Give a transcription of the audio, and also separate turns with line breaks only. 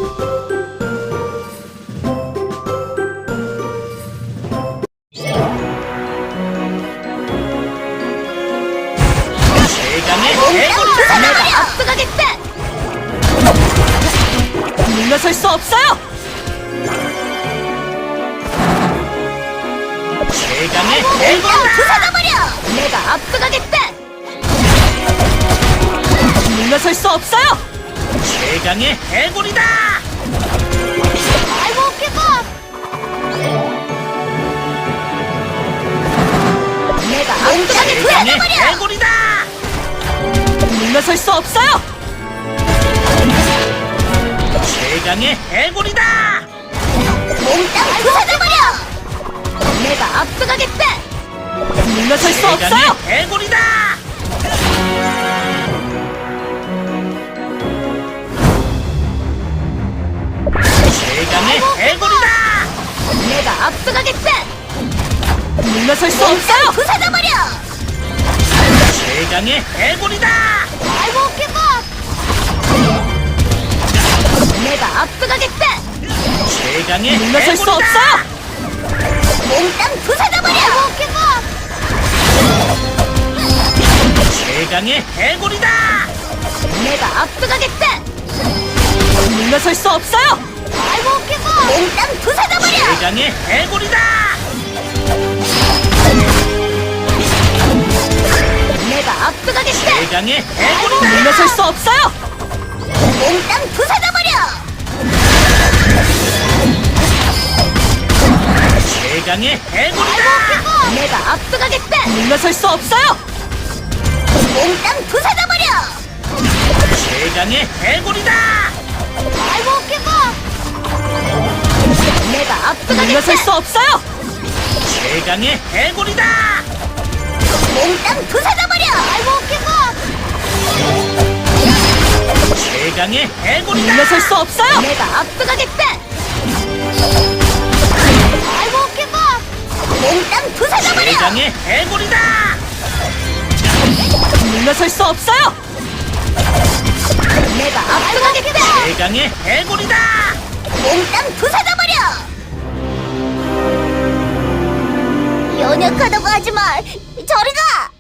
최강의 해골!
내가 앞서가겠다.
물러설 수 없어요.
최강의
몽땅
해골!
부숴버려. 내가 앞서가겠다.
물러설 수 없어요.
최강의 해골이다!
I won't give up. 내가 몽땅히
최강의
부숴버려.
해골이다!
물러설 수 없어요.
최강의 해골이다!
몽땅 부숴버려. 내가 앞서가겠다.
물러설 수
최강의
없어요.
해골이다! 최강의 해골이다!
내가 앞서가겠다.
물러설 수 없어요.
부숴버려.
최강의 해골이다!
I won't give up. 내가 앞서가겠다.
최강의
물러설 수
해골이다!
없어요.
몽땅 부숴버려. I won't give up.
최강의 해골이다!
내가 앞서가겠다.
물러설 수 없어요.
I won't give up. 몽땅 부숴버려.
최강의 해골이다!
내가 앞서가겠다.
최강의 해골이다!
물러설 수 없어요.
몽땅 부숴버려.
최강의 해골이다!
내가 앞서가겠다.
물러설 수 없어요.
몽땅 부숴버려.
최강의 해골이다!
I won't give up. 내가
물러설
앞서가겠다.
수 없어요.
최강의 해골이다!
몽땅 부숴버려. I won't give up.
최강의 해골이다!
물러설 수 없어요.
내가 앞서가겠다. I won't give up. 몽땅 부숴버려.
최강의 해골이다!
물러설 수 없어요.
내가 앞서가겠다.
최강의 해골이다!
몽땅 부숴버려. 연약하다고 하지 마. 저리 가.